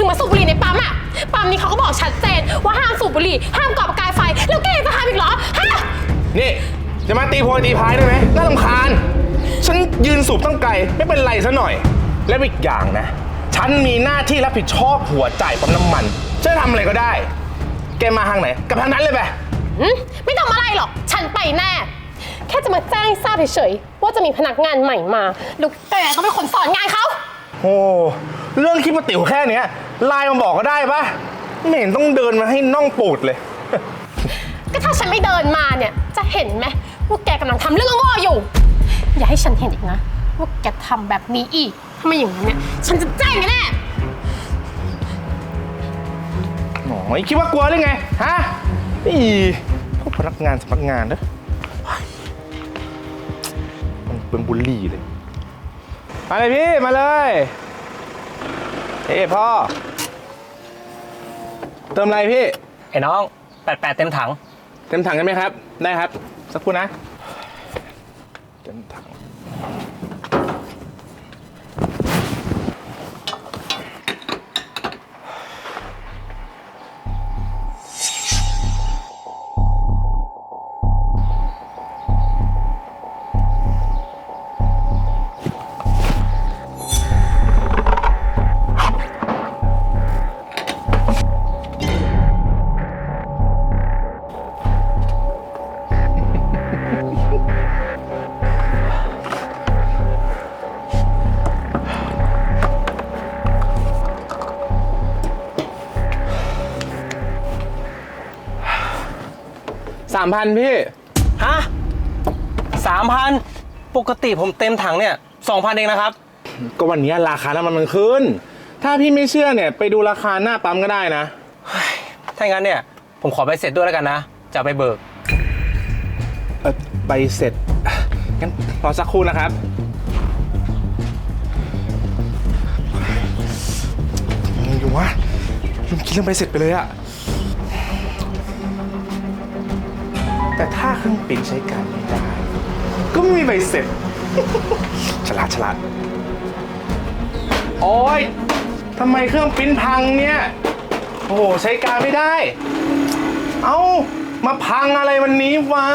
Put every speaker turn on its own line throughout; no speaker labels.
มาสูบบุหรี่ในปั๊มอะปั๊มนี้เขาก็บอกชัดเจนว่าห้ามสูบบุหรี่ห้ามก่อประกายไฟแล้วแกยังจะทำอีกเหรอฮะ
นี่จะมาตีโพยตีพายได้ไหมน่ารำคาญฉันยืนสูบตั้งไกลไม่เป็นไรซะหน่อยและอีกอย่างนะฉันมีหน้าที่รับผิดชอบหัวจ่ายปั๊มน้ำมันจะทำอะไรก็ได้แกมาทางไหนกับทางนั้นเลยไป
ไม่ทำอะไรหรอกฉันไปแน่แค่จะมาแจ้งให้ทราบเฉยๆว่าจะมีพนักงานใหม่มาแล้วแกก็เป็นคนสอนงานเขา
โอ้เรื่องคิดมาติ๋วแค่เนี้ยไลน์มาบอกก็ได้ปะไม่เห็นต้องเดินมาให้น่องปูดเลย
ก็ถ้าฉันไม่เดินมาเนี่ยจะเห็นไหมว่าแกกำลังทำเรื่องโง่อยู่อย่าให้ฉันเห็นอีกนะว่าแกทำแบบนี้อีกถ้าไม่อย่างนั้นเนี่ยฉันจะแจ้งแน่
หน่อยคิดว่ากลัวหรือไงฮะนี่พวกพนักงานสำนักงานเนอะมันเป็นบูลลี่เลยมาเลยพี่มาเลยเฮ้พ่อเติมอะไรพี่
ไอ้น้อง88เต็มถัง
ใช่ไหมครับได้ครับสักครู่นะเต็มถัง3,000พี่
ฮะ3,000ปกติผมเต็มถังเนี่ย2,000เองนะครับ
ก็วันนี้ราคาน้ำมันขึ้นถ้าพี่ไม่เชื่อเนี่ยไปดูราคาหน้าปั๊มก็ได้นะ
ถ้างั้นเนี่ยผมขอใบเสร็จด้วยแล้วกันนะจะไปเบิก
ใบเสร็จงั้นรอสักครู่นะครับไงดูวะลืมคิดเรื่องใบเสร็จไปเลยอะแต่ถ้าเครื่องปริ้นใช้การไม่ได้ก็ไม่มีใบเสร็จ ฉลาดโอ๊ยทำไมเครื่องปริ้นพังเนี่ยโอ้โหใช้การไม่ได้เอ้ามาพังอะไรวันนี้วะ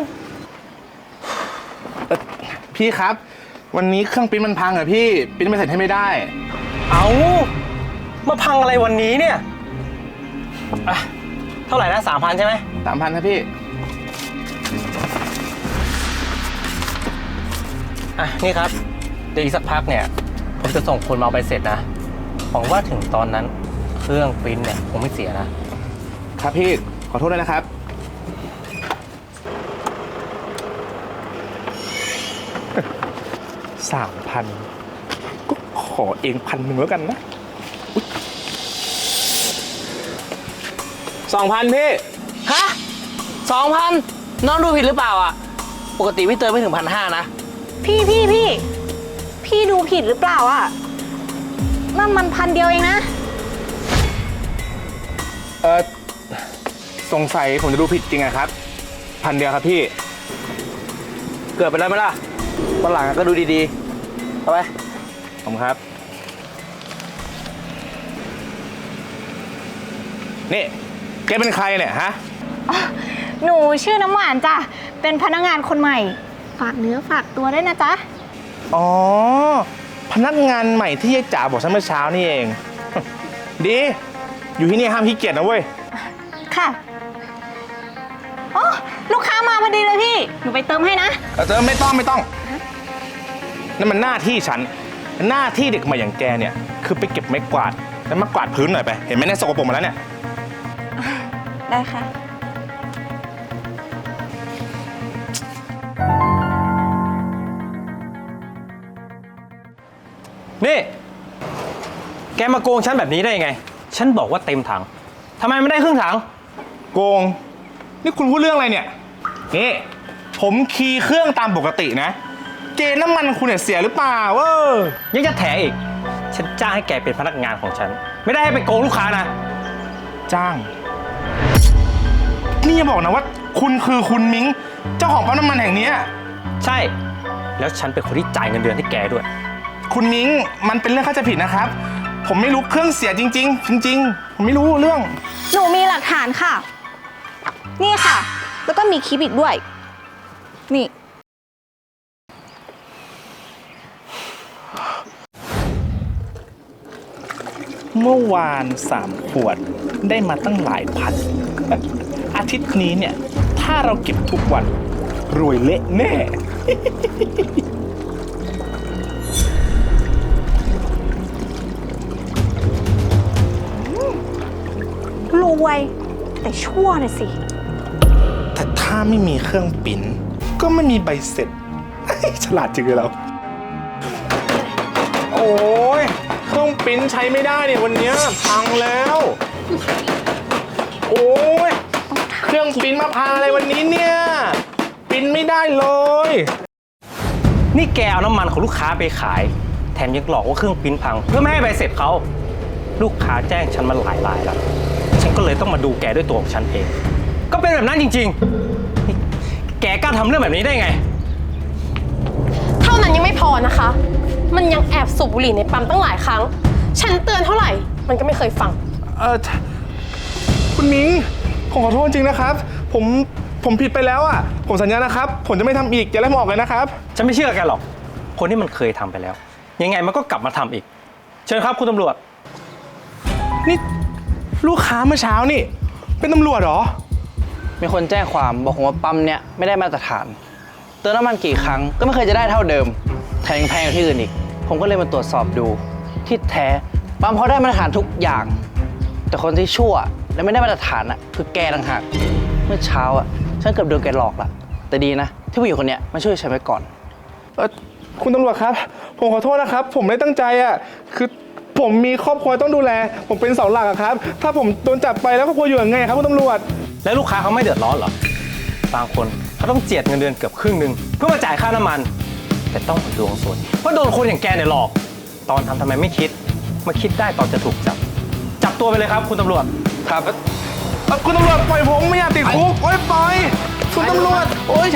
พี่ครับวันนี้เครื่องปริ้นมันพังเหรอพี่ปริ้นใบเสร็จให้ไม่ได้
เอ้ามาพังอะไรวันนี้เนี่ยเท่าไหร่นะ3,000ใช่ไหม
3,000ครับพี่
นี่ครับเดี๋ยวอีกสักพักเนี่ยผมจะส่งคนมาเอาใบเสร็จนะหวังว่าถึงตอนนั้นเครื่องปริ้นเนี่ยคงไม่เสีย
นะครับพี่ขอโทษด้วยนะครับ3,000ก็ขอเอง1,000แล้วกันนะ2,000พี่
ฮะ2,000น้องดูผิดหรือเปล่าอ่ะปกติพี่เติมไม่ถึง1,500นะ
พี่ดูผิดหรือเปล่าอ่ะนั่นมัน1,000เดียวเองนะ
สงสัยผมจะดูผิดจริงอะครับ1,000เดียวครับพี่
เกิดไปแล้วไหมล่ะวันหลังก็ดูดีๆเอาไป
ผมครับนี่แกเป็นใครเนี่ยฮะ
หนูชื่อน้ำหวานจ้ะเป็นพนักงานคนใหม่ฝากเนื้อฝากตัวด้วยนะจ๊ะ
อ๋อพนักงานใหม่ที่ยายจ๋าบอกฉันเมื่อเช้านี่เองดีอยู่ที่นี่ห้ามขี้เกียจนะเว้ย
ค่ะโอ้ลูกค้ามาพอดีเลยพี่หนูไปเติมให้นะ
เติมไม่ต้องนั่นมันหน้าที่ฉันหน้าที่เด็กใหม่อย่างแกเนี่ยคือไปเก็บไม้กวาดแล้วมากวาดพื้นหน่อยไปเห็นไหมเนี่ยสกปรกหมดแล้วเนี่ย
ได้ค่ะ
นี่แกมาโกงฉันแบบนี้ได้ยังไงฉันบอกว่าเต็มถังทำไมไม่ได้ครึ่งถัง
โกงนี่คุณพูดเรื่องอะไรเนี่ยนี่ผมคีย์เครื่องตามปกตินะเกณฑ์น้ำมันคุณเนี่ยเสียหรือเปล่า
ยังจะแถอีกฉันจ้างให้แกเป็นพนักงานของฉันไม่ได้ให้ไปโกงลูกค้านะ
จ้างนี่อย่าบอกนะว่าคุณคือคุณมิ้งเจ้าของปั๊มน้ำมันแห่งนี้
ใช่แล้วฉันเป็นคนที่จ่ายเงินเดือนให้แกด้วย
คุณมิ้งมันเป็นเรื่องเข้าใจผิดนะครับผผมไม่รู้เครื่องเสียจริง ๆ จริง ๆ ผมไม่รู้เรื่อง
หนูมีหลักฐานค่ะ นี่ค่ะ แล้วก็มีคลิปอีกด้วย นี่
เมื่อวาน3 ขวดได้มาตั้งหลายพัน อาทิตย์นี้เนี่ย ถ้าเราเก็บทุกวัน รวยเละแน่
รวย แต่ชั่วน่ะสิ
แต่ถ้าไม่มีเครื่องปิ้นก็ไม่มีใบเสร็จ ฉลาดจริงเลยเรา โอ้ยเครื่องปิ้นใช้ไม่ได้เนี่ยวันเนี้ยพังแล้ว โอ้ยเครื่องปิ้นมาพังอะไรวันนี้เนี่ยปิ้นไม่ได้เลย
นี่แกเอาน้ำมันของลูกค้าไปขาย แถมยังหลอกว่าเครื่องปริ้นพัง เพื่อไม่ให้ใบเสร็จเขาลูกค้าแจ้งฉันมาหลายรายแล้วฉันก็เลยต้องมาดูแกด้วยตัวของฉันเอง ก็เป็นแบบนั้นจริงๆนี่แกกล้าทำเรื่องแบบนี้ได้ไง
เท่านั้นยังไม่พอนะคะ มันยังแอบสูบบุหรี่ในปั๊มตั้งหลายครั้ง ฉันเตือนเท่าไหร่ มันก็ไม่เคยฟัง
คุณมิ้งผมขอโทษจริงนะครับ ผมผิดไปแล้วอ่ะ ผมสัญญานะครับ ผมจะไม่ทำอีกอย่าไล่ผมออกเลยนะครับ
ฉันไม่เชื่อแกหรอก คนที่มันเคยทำไปแล้ว ยังไงมันก็กลับมาทำอีก เชิญครับคุณตำรวจ
นี่ลูกค้าเมื่อเช้านี่เป็นตำรวจเหรอ
มีคนแจ้งความบอกผมว่าปั๊มเนี้ยไม่ได้มาตรฐาน เติมน้ำมันกี่ครั้งก็ไม่เคยจะได้เท่าเดิมแถมยังแพงกว่าที่อื่นอีก ผมก็เลยมาตรวจสอบดูที่แท้ปั๊มเขาได้มาตรฐานทุกอย่าง แต่คนที่ชั่วและไม่ได้มาตรฐานอ่ะคือแกต่างหากเมื่อเช้าอ่ะฉันเกือบโดนแกหลอกละแต่ดีนะที่ผู้หญิงคนเนี้ยมาช่วยฉันไว้ก่อน
คุณตำรวจครับ ผมขอโทษนะครับ ผมไม่ตั้งใจอ่ะ คือผมมีครอบครัวต้องดูแล ผมเป็นเสาหลักอะครับ ถ้าผมโดนจับไปแล้วครอบครัวอยู่ยังไงครับคุณตำรวจ
แล้วลูกค้าเขาไม่เดือดร้อนเหรอ บางคนเขาต้องเจียดเงินเดือนเกือบครึ่งหนึ่งเพื่อมาจ่ายค่าน้ำมัน แต่ต้องมาดวงสวยเพราะโดนคนอย่างแกเนี่ยหลอก ตอนทำไมไม่คิด มาคิดได้ตอนจะถูกจับ จับตัวไปเลยครับคุณตำรวจ
ครับ
คุณตำรวจปล่อยผมไม่อยากติดคุกโอ๊ยปล่อย คุณตำรวจ โอ๊ย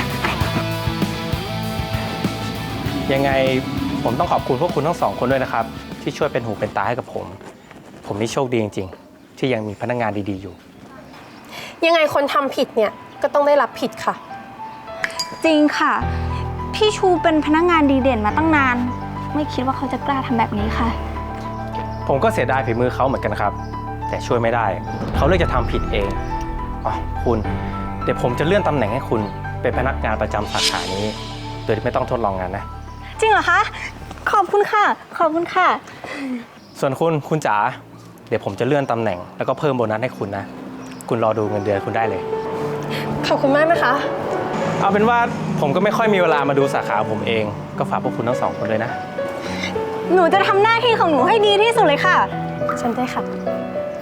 ยังไงผมต้องขอบคุณพวกคุณทั้งสองคนด้วยนะครับ ที่ช่วยเป็นหูเป็นตาให้กับผม ผมนี่โชคดีจริงๆ ที่ยังมีพนักงานดีๆอยู่
ยังไงคนทำผิดเนี่ยก็ต้องได้รับผิดค่ะ
จริงค่ะ พี่ชูเป็นพนักงานดีเด่นมาตั้งนาน ไม่คิดว่าเขาจะกล้าทำแบบนี้ค่ะ
ผมก็เสียดายฝีมือเขาเหมือนกันครับ แต่ช่วยไม่ได้ เขาเลือกจะทำผิดเองอ๋อคุณเดี๋ยวผมจะเลื่อนตำแหน่งให้คุณเป็นพนักงานประจำสาขานี้ โดยที่ไม่ต้องทดลองงานนะ
จริงเหรอคะ ขอบคุณค่ะ ขอบคุณค่ะ
ส่วนคุณจ๋าเดี๋ยวผมจะเลื่อนตำแหน่งแล้วก็เพิ่มโบนัสให้คุณนะ คุณรอดูเงินเดือนคุณได้เลย
ขอบคุณมากนะคะ
เอาเป็นว่าผมก็ไม่ค่อยมีเวลามาดูสาขาผมเอง ก็ฝากพวกคุณทั้งสองคนเลยนะ
หนูจะทำหน้าที่ของหนูให้ดีที่สุดเลยค่ะ
ฉันได้ค่ะ